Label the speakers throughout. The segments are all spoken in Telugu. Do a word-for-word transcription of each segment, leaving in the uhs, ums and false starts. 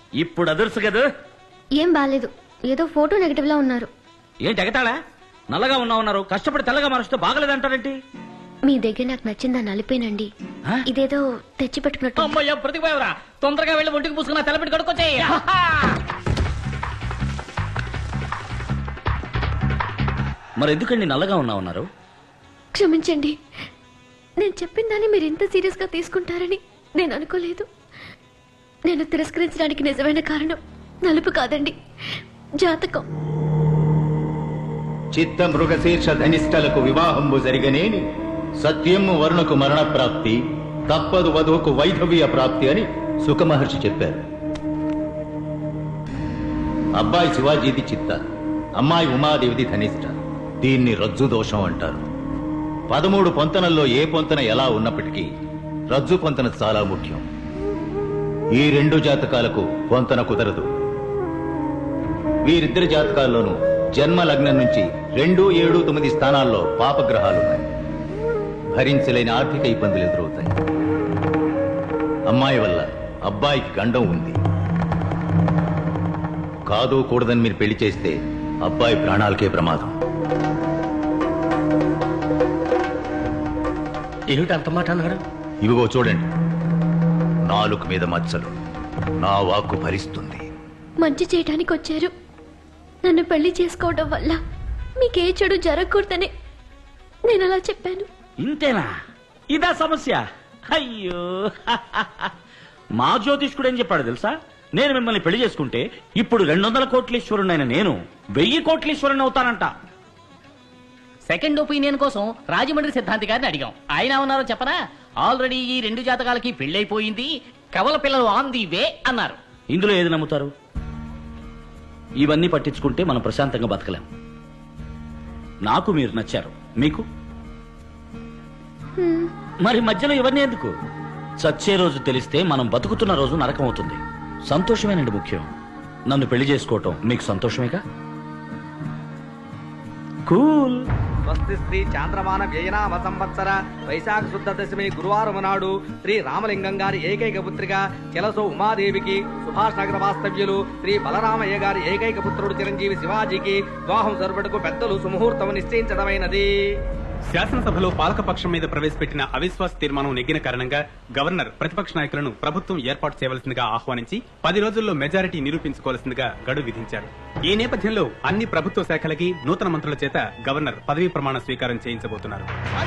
Speaker 1: ఇప్పుడు అదుర్సు కదా.
Speaker 2: ఏం బాలేదు, ఏదో ఫోటో నెగటివ్ లా ఉన్నారు.
Speaker 1: ఏంటి ఎగతాళా? నల్లగా ఉన్నా ఉన్నారు, కష్టపడి తెల్లగా మారుస్తూ బాగలేదంటారేంటి?
Speaker 2: మీ దగ్గర నాకు నచ్చిందా నలిపేనండి. ఇదేదో తెచ్చి పెట్టుకున్నట్టు.
Speaker 3: అమ్మయ్య ప్రతిపోయవరా, తొందరగా వెళ్ళి ఒంటికి పూసుకున్నా తెల్లబెట్టి కడుక్కొచ్చాయి.
Speaker 1: మరి ఎందుకండి నల్లగా ఉన్నా ఉన్నారు?
Speaker 2: క్షమించండి, నేను చెప్పిన దాన్ని మీరు ఇంత సీరియస్ గా తీసుకుంటారని నేను అనుకోలేదు. నేను తిరస్కరించడానికి నిజమైన కారణం నలుపు కాదండి, జాతకం.
Speaker 4: చిత్త మృగశీర్ష ధనిష్టలకు వివాహంబు జరిగనేని సత్యము వరుణకు మరణ ప్రాప్తి, తప్పదు వధువుకు వైధవ్య ప్రాప్తి అని సుఖమహర్షి చెప్పారు. అబ్బాయి శివాజీది చిత్త, అమ్మాయి ఉమాదేవిది ధనిష్ట. దీన్ని రజ్జు దోషం అంటారు. పదమూడు పొంతనల్లో ఏ పొంతన ఎలా ఉన్నప్పటికీ రజ్జు పొంతన చాలా ముఖ్యం. ఈ రెండు జాతకాలకు పొంతన కుదరదు. వీరిద్దరి జాతకాల్లోనూ జన్మ లగ్నం నుంచి రెండు ఏడు తొమ్మిది స్థానాల్లో పాపగ్రహాలున్నాయి. భరించలేని ఆర్థిక ఇబ్బందులు ఎదురవుతాయి. అమ్మాయి వల్ల అబ్బాయికి గండం ఉంది. కాదు కూడదని మీరు పెళ్లి చేస్తే అబ్బాయి ప్రాణాలకే ప్రమాదం.
Speaker 3: ఏమిటి అంత మాట అన్నాడు?
Speaker 4: ఇవిగో చూడండి, నాలుగు మీద మచ్చలు. నా వాక్కు భరిస్తుంది.
Speaker 2: మంచి చేయడానికి వచ్చారు. నన్ను పెళ్లి చేసుకోవడం వల్ల మీకే చెడు జరగకూడదని నేను అలా చెప్పాను.
Speaker 1: ఇంతేనా? ఇదా సమస్య? అయ్యో, మా జ్యోతిష్కుడు ఏం చెప్పాడు తెలుసా? నేను మిమ్మల్ని పెళ్లి చేసుకుంటే ఇప్పుడు రెండు వందల కోట్లీశ్వరుడైన నేను వెయ్యి కోట్లీశ్వరుని అవుతానంట.
Speaker 3: సెకండ్ ఒపీనియన్ కోసం రాజమండ్రి సిద్ధాంతి గారిని అడిగాం. ఆయన ఉన్నారో చెప్పనా? ఆల్రెడీ ఈ రెండు జాతకాలకి పెళ్లైపోయింది, కవల పిల్లలు ఆన్ ది వే అన్నారు.
Speaker 1: ఇందులో ఏది నమ్ముతారు? ఇవన్నీ పట్టించుకుంటే మనం ప్రశాంతంగా బతకలేం. నాకు మీరు నచ్చారు, మీకు మరి మధ్యలో ఇవన్నీ ఎందుకు? చచ్చే రోజు తెలిస్తే మనం బతుకుతున్న రోజు నరకం అవుతుంది. సంతోషమేనండి ముఖ్యం. నన్ను పెళ్లి చేసుకోవటం మీకు సంతోషమేగా? కూల్.
Speaker 5: స్వస్తి శ్రీ చాంద్రమాన వ్యయనామ సంవత్సర వైశాఖ శుద్ధ దశమి గురువారం నాడు శ్రీ రామలింగం గారి ఏకైక పుత్రిక చెలసో ఉమాదేవికి, సుభాష్ నగర వాస్తవ్యులు శ్రీ బలరామయ్య గారి ఏకైక పుత్రుడు చిరంజీవి శివాజీకి వివాహం జరుపుటకు పెద్దలు సుముహూర్తం నిశ్చయించడమైనది.
Speaker 6: శాసనసభలో పాలకపక్షం మీద ప్రవేశపెట్టిన అవిశ్వాస తీర్మానం నెగ్గిన కారణంగా గవర్నర్ ప్రతిపక్ష నాయకులను ప్రభుత్వం ఏర్పాటు చేయవలసిందిగా ఆహ్వానించి పది రోజుల్లో మెజారిటీ నిరూపించుకోవాల్సిందిగా గడువు విధించారు. ఈ నేపథ్యంలో అన్ని ప్రభుత్వ శాఖలకి నూతన మంత్రుల చేత గవర్నర్ పదవీ ప్రమాణ స్వీకారం చేయించబోతున్నారు.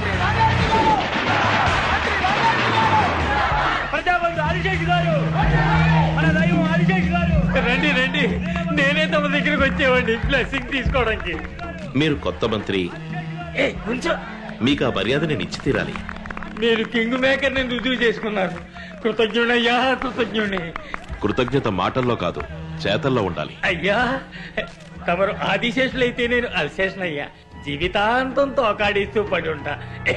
Speaker 7: రండి రండి, నేనే తమ దగ్గరకు వచ్చేవాడిని బ్లెస్సింగ్ తీసుకోవడానికి.
Speaker 8: మీరు కొత్త మంత్రి, మీకు ఆ మర్యాద నేను ఇచ్చి తీరాలి.
Speaker 7: నేను కింగ్ మేకర్ ని రుజువు చేసుకున్నాను. కృతజ్ఞుడయ్యా, కృతజ్ఞుడి.
Speaker 8: కృతజ్ఞత మాటల్లో కాదు, చేతల్లో ఉండాలి.
Speaker 7: అయ్యా, తమరు ఆదిశేషులైతే నేను అల్శేషనయ్యా. జీవితాంతం తోకాడిస్తూ పడి ఉంటా.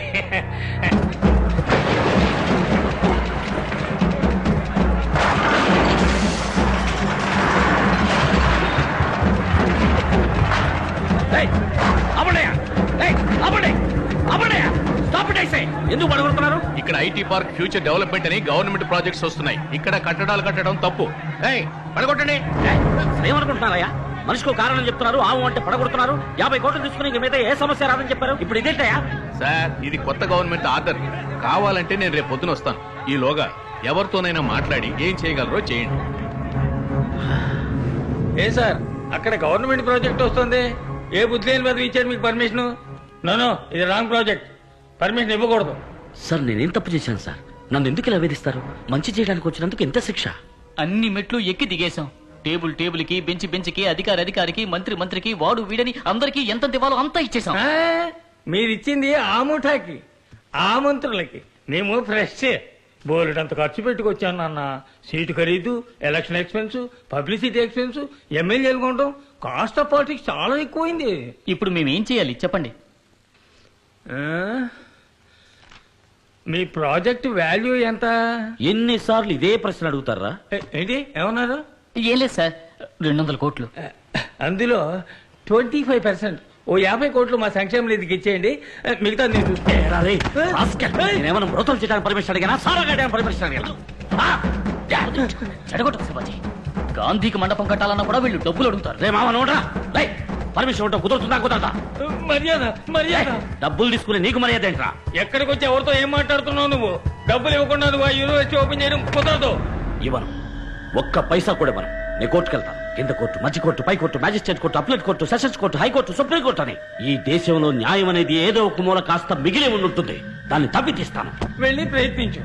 Speaker 1: ఎందుకు పడగొడుతున్నారు?
Speaker 8: ఇక్కడ ఐటీ పార్క్ ఫ్యూచర్ డెవలప్మెంట్ అని గవర్నమెంట్ ప్రాజెక్ట్స్ వస్తున్నాయి. ఇక్కడ కట్టడాలు కట్టడం తప్పు. పడగొట్టండి.
Speaker 1: ఏమనుకుంటున్నారయ్యా? మనిషికి కారణం చెప్తున్నారు, ఆవు అంటే పడగొడుతున్నారు. యాభై కోట్లు తీసుకుని ఇంక మీద ఏ సమస్య రాదని చెప్పారు. ఇప్పుడు ఇదేంటయ్యా?
Speaker 8: సార్, ఇది కొత్త గవర్నమెంట్ ఆర్డర్. కావాలంటే నేను రేపు పొద్దున వస్తాను. ఈలోగా ఎవరితోనైనా మాట్లాడి ఏం చేయగలరో చేయండి.
Speaker 7: ఏ సార్, అక్కడ గవర్నమెంట్ ప్రాజెక్ట్ వస్తుంది. ఏ బుద్ధి లేని మీద ఇచ్చారు మీకు పర్మిషన్? నో, ఇది రాంగ్ ప్రాజెక్ట్. పర్మిషన్ ఇవ్వకూడదు.
Speaker 1: సార్, నేనేం తప్పు చేశాను సార్? నన్ను ఎందుకు ఇలా వేధిస్తారు? మంచి చేయడానికి వచ్చినందుకు ఎంత శిక్ష?
Speaker 3: అన్ని మెట్లు ఎక్కి దిగేశాం. టేబుల్ టేబుల్ కి, బెంచ్ బెంచ్ కి, అధికారి అధికారికి, మంత్రి మంత్రికి, వాడు వీడని అందరికి ఎంత ఇవ్వాలో అంతా ఇచ్చేసాం.
Speaker 7: మీరిచ్చింది ఆ ముఠాకి, ఆ మంత్రులకి. మేము ఫ్రెష్ బోలెడంత ఖర్చు పెట్టుకొచ్చాను నాన్న. సీటు ఖరీదు, ఎలక్షన్ ఎక్స్పెన్స్, పబ్లిసిటీ ఎక్స్పెన్స్, ఎమ్మెల్యేలు కొనడం, కాస్ట్ ఆఫ్ పాలిటిక్స్ చాలా ఎక్కువైంది.
Speaker 3: ఇప్పుడు మేమేం చేయాలి చెప్పండి.
Speaker 7: మీ ప్రాజెక్ట్ వాల్యూ ఎంత?
Speaker 1: ఎన్నిసార్లు ఇదే ప్రశ్న అడుగుతారా?
Speaker 7: ఏంటి ఏమన్నారు?
Speaker 3: ఏం లేదు సార్, రెండు వందల కోట్లు.
Speaker 7: అందులో ట్వంటీ ఫైవ్ పర్సెంట్ ఓ యాభై కోట్లు మా సంక్షేమ నిధికి ఇచ్చేయండి. మిగతా
Speaker 1: నేనేమన్నా మృతం చేయడానికి పర్మిషన్ అడిగానా? సారా పర్మిషన్ అడిగాను.
Speaker 3: చెడగొట్టు శివాజీ. గాంధీకి మండపం కట్టాలన్నా కూడా వీళ్ళు డబ్బులు అడుగుతారు.
Speaker 1: రే మామ నోడ్రా లై పర్మిషన్ ఇవ్వటం కుదురుతుందా కుదరదా?
Speaker 7: మర్యాద మర్యాద.
Speaker 1: డబ్బులు తీసుకుని నీకు మర్యాద ఏంట్రా?
Speaker 7: ఎక్కడికి వచ్చి ఎవరితో ఏం మాట్లాడుతున్నావు నువ్వు? డబ్బులు ఇవ్వకుండా నువ్వు ఆ యూనివర్సిటీ ఓపెన్ చేయడం కుదరదు.
Speaker 1: ఇవ్వను, ఒక్క పైసా కూడా ఇవ్వను. నేను కోర్టుకు వెళ్తాను. కింద కోర్టు, మధ్య కోర్టు, పై court, magistrate court, appellate court, sessions court, high court, supreme court అని ఈ దేశంలో న్యాయం అనేది ఏదో ఒక మూల కాస్త మిగిలి ఉంటుంది. దాన్ని తప్పి తీస్తాను.
Speaker 7: వెళ్ళి ప్రయత్నించు.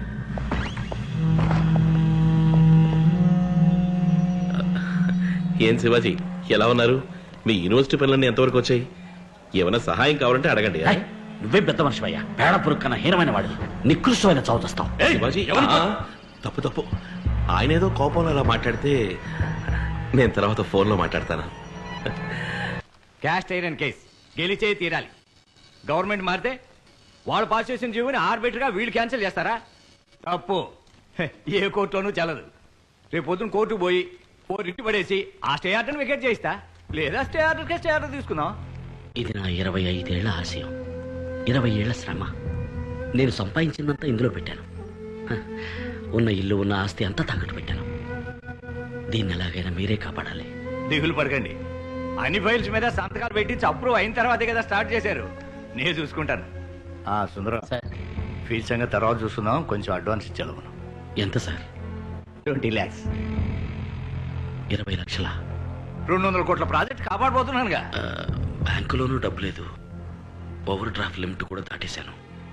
Speaker 9: ఏం శివాజీ ఎలా ఉన్నారు? మీ యూనివర్సిటీ పనులన్నీ ఎంతవరకు వచ్చాయి? ఏమైనా సహాయం కావాలంటే అడగండి.
Speaker 1: ఏయ్, నువ్వే పెద్ద మనిషివయ్యా. పేడ పురుగు కన్నా హీనమైన వాడివి. నికృష్టమైన చదువుతావు.
Speaker 9: శివాజీ ఆ, తప్పు తప్పు. ఆయన ఏదో కోపంలో అలా మాట్లాడితే నేను తర్వాత ఫోన్లో మాట్లాడతాను.
Speaker 5: క్యాస్ట్ ఐరన్ కేస్ గెలిచే తీరాలి. గవర్నమెంట్ మారితే వాళ్ళు పాస్ చేసిన జీవోని ఆర్బిటర్ గా వీళ్ళు క్యాన్సిల్ చేస్తారా? తప్పు. హె, ఏ కోర్టులోనూ చెల్లదు. రేపు పొద్దున కోర్టుకు పోయి ఓ రిట్ పడేసి ఆ స్టే ఆర్డర్ వికెట్ చేయిస్తా, లేదా స్టే ఆర్డర్ కే స్టే ఆర్డర్ తీసుకుందాం.
Speaker 1: ఇది నా ఇరవై ఐదేళ్ల ఆశయం, ఇరవై ఏళ్ల శ్రమ. నేను సంపాదించిందంతా ఇందులో పెట్టాను. హ, ఉన్న ఇల్లు ఉన్న ఆస్తి అంతా తాకట్టు పెట్టాను. దీన్ని ఎలాగైనా మీరే కాపాడాలి.
Speaker 5: దిగులు పడకండి. అన్ని ఫైల్స్ మీద సంతకాలు పెట్టించి అప్రూవ్ అయిన తర్వాతే కదా స్టార్ట్ చేశారు. నేను చూసుకుంటాను. ఆ సుందరం, ఫీల్ సంగతి తర్వాత చూసుకుందాం. కొంచెం అడ్వాన్స్ ఇచ్చాను.
Speaker 1: ఎంత సార్?
Speaker 5: ట్వంటీ ల్యాక్స్.
Speaker 1: ఇరవై లక్షల
Speaker 5: రెండు వందల కోట్ల ప్రాజెక్ట్ కాపాడబోతున్నానుగా.
Speaker 1: బ్యాంకులోనూ డబ్బు లేదు. ఓవర్ డ్రాఫ్ట్ లిమిట్ కూడా దాటేశాను.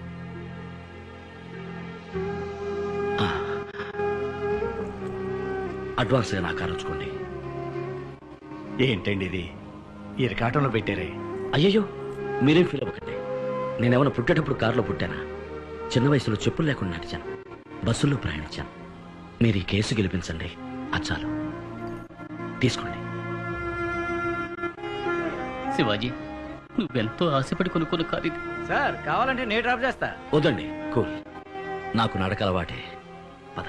Speaker 1: ఆ, అడ్వాన్స్ నాకు ఆలోచుకోండి.
Speaker 5: ఏంటండి ఇది ఇరకాటంలో పెట్టారే?
Speaker 1: అయ్యయ్యో, మీరేం ఫీల్ అవ్వకండి. నేనేమైనా పుట్టేటప్పుడు కారులో పుట్టానా? చిన్న వయసులో చెప్పులు లేకుండా నడిచాను, బస్సుల్లో ప్రయాణించాను. మీరు ఈ కేసు గెలిపించండి, అచ్చాలు తీసుకోండి.
Speaker 3: శివాజీ, నువ్వెంతో ఆశపడి కొనుక్కున్న కారు ఇది.
Speaker 5: సార్ కావాలంటే నేను డ్రాప్ చేస్తా.
Speaker 1: వద్దండి, కూల్. నాకు నడక అలవాటే. పద.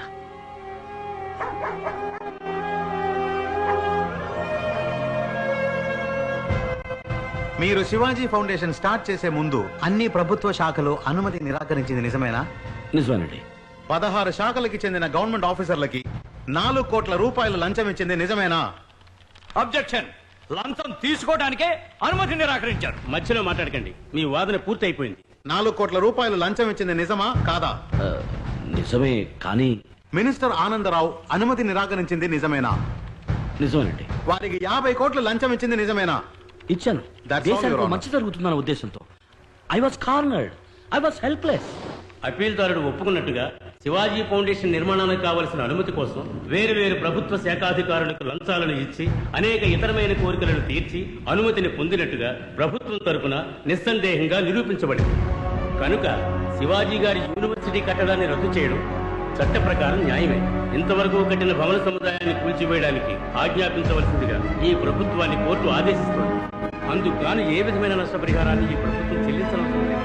Speaker 10: మీరు శివాజీ ఫౌండేషన్ స్టార్ట్ చేసే ముందు అన్ని ప్రభుత్వ శాఖలు అనుమతి నిరాకరించింది నిజమేనా?
Speaker 1: నిజమేనండి.
Speaker 10: పదహారు శాఖలకి చెందిన గవర్నమెంట్ ఆఫీసర్లకి నాలుగు కోట్ల రూపాయలు లంచం ఇచ్చింది నిజమేనా?
Speaker 5: అబ్జెక్షన్. లంచం తీసుకోవడానికే అనుమతి నిరాకరించారు.
Speaker 6: మధ్యలో మాట్లాడకండి, మీ వాదన పూర్తి అయిపోయింది.
Speaker 10: నాలుగు కోట్ల రూపాయలు లంచం ఇచ్చింది నిజమా కాదా?
Speaker 1: ఆ, నిజమే, కానీ
Speaker 10: మినిస్టర్ ఆనందరావు అనుమతి నిరాకరించింది నిజమేనా?
Speaker 1: నిజమేనండి.
Speaker 10: వారికి యాభై కోట్లు లంచం ఇచ్చింది నిజమేనా?
Speaker 1: ఇచ్చాను.
Speaker 10: That's all, Your
Speaker 1: దేశానికి
Speaker 10: Honor.
Speaker 1: మంచి జరుగుతుందన్న ఉద్దేశంతో. I was cornered, I was helpless.
Speaker 6: అప్పీల్దారుడు ఒప్పుకున్నట్టుగా శివాజీ ఫౌండేషన్ నిర్మాణానికి కావలసిన అనుమతి కోసం వేరు వేరు ప్రభుత్వ శాఖాధికారులకు లంచాలను ఇచ్చి అనేక ఇతరమైన కోరికలను తీర్చి అనుమతిని పొందినట్టుగా ప్రభుత్వం తరపున నిస్సందేహంగా నిరూపించబడింది. కనుక శివాజీ గారి యూనివర్సిటీ కట్టడాన్ని రద్దు చేయడం చట్ట ప్రకారం న్యాయమే. ఇంతవరకు కట్టిన భవన సముదాయాన్ని కూల్చివేయడానికి ఆజ్ఞాపించవలసిందిగా ఈ ప్రభుత్వాన్ని కోర్టు ఆదేశిస్తోంది. అందుకు గాను ఏ విధమైన నష్టపరిహారాన్ని ఈ ప్రభుత్వం చెల్లించవలసి ఉంది.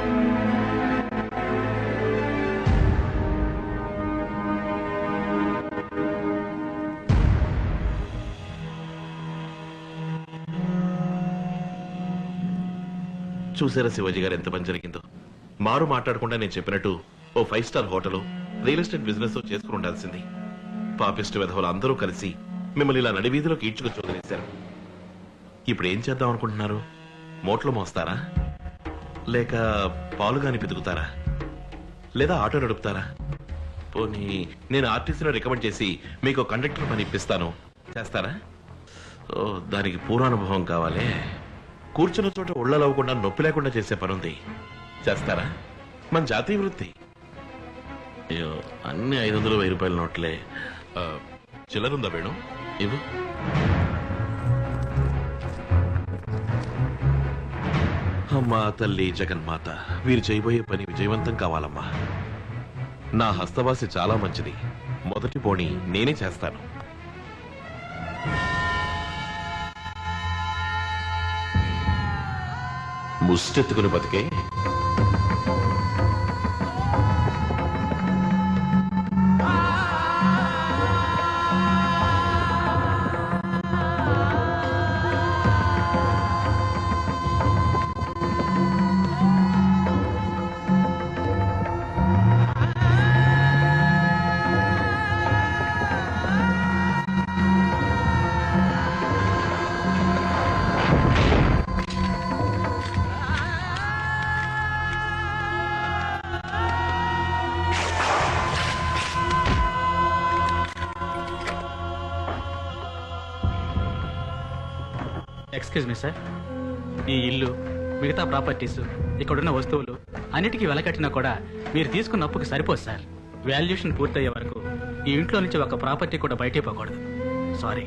Speaker 9: చూసారా శివాజీ గారు ఎంత పని జరిగిందో? మారు మాట్లాడకుండా నేను చెప్పినట్టు ఓ five star hotel, real estate business చేసుకుని ఉండాల్సింది. పాపిస్ట్ విధవులు అందరూ కలిసి మిమ్మల్ని ఇలా నడివీధిలోకి ఈడ్చుకు చోదనేశారు. ఇప్పుడు ఏం చేద్దాం అనుకుంటున్నారు? మోట్లు మోస్తారా, లేక పాలుగాని పితుకుతారా, లేదా ఆటో నడుపుతారా? పోనీ నేను ఆర్టీసీలో రికమెండ్ చేసి మీకు కండక్టర్ పని ఇప్పిస్తాను, చేస్తారా? ఓ, దానికి పూర్వానుభవం కావాలి. కూర్చున్న చోట ఉళ్ళలవ్వకుండా నొప్పి లేకుండా చేసే పనుంది, చేస్తారా? మన జాతీయ వృత్తి. అయ్యో, అన్ని ఐదు వందలు వెయ్యి రూపాయల నోట్లే. ఆ, చిల్లరుందా వేణు? ఇవ్వు. అమ్మా తల్లి జగన్మాత, వీరు చేయబోయే పని విజయవంతం కావాలమ్మా. నా హస్తవాసి చాలా మంచిది. మొదటి పోనీ నేనే చేస్తాను. ముష్టెత్తుకుని బతికే
Speaker 11: ఎక్స్క్యూజ్ మీ సార్, ఈ ఇల్లు మిగతా ప్రాపర్టీస్ ఇక్కడున్న వస్తువులు అన్నిటికీ వెలకట్టినా కూడా మీరు తీసుకున్న అప్పుకి సరిపోదు సార్. వాల్యుయేషన్ పూర్తయ్యే వరకు ఈ ఇంట్లో నుంచి ఒక ప్రాపర్టీ కూడా బయటే పోకూడదు. సారీ.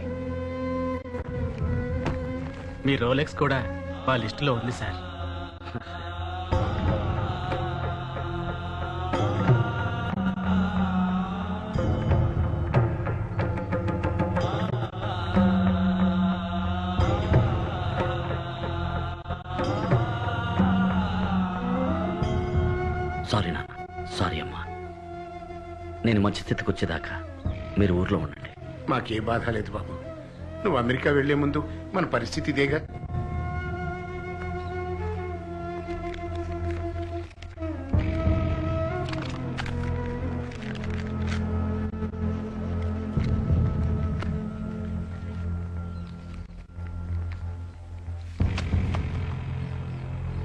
Speaker 11: మీ రోలెక్స్ కూడా వాళ్ళ లిస్టులో ఉంది సార్.
Speaker 1: సారీ నాన్న, సారీ అమ్మా. నేను మంచి స్థితికి వచ్చేదాకా మీరు ఊర్లో ఉండండి.
Speaker 12: మాకే బాధ లేదు బాబు. నువ్వు అమెరికా వెళ్లే ముందు మన పరిస్థితి ఇదేగా.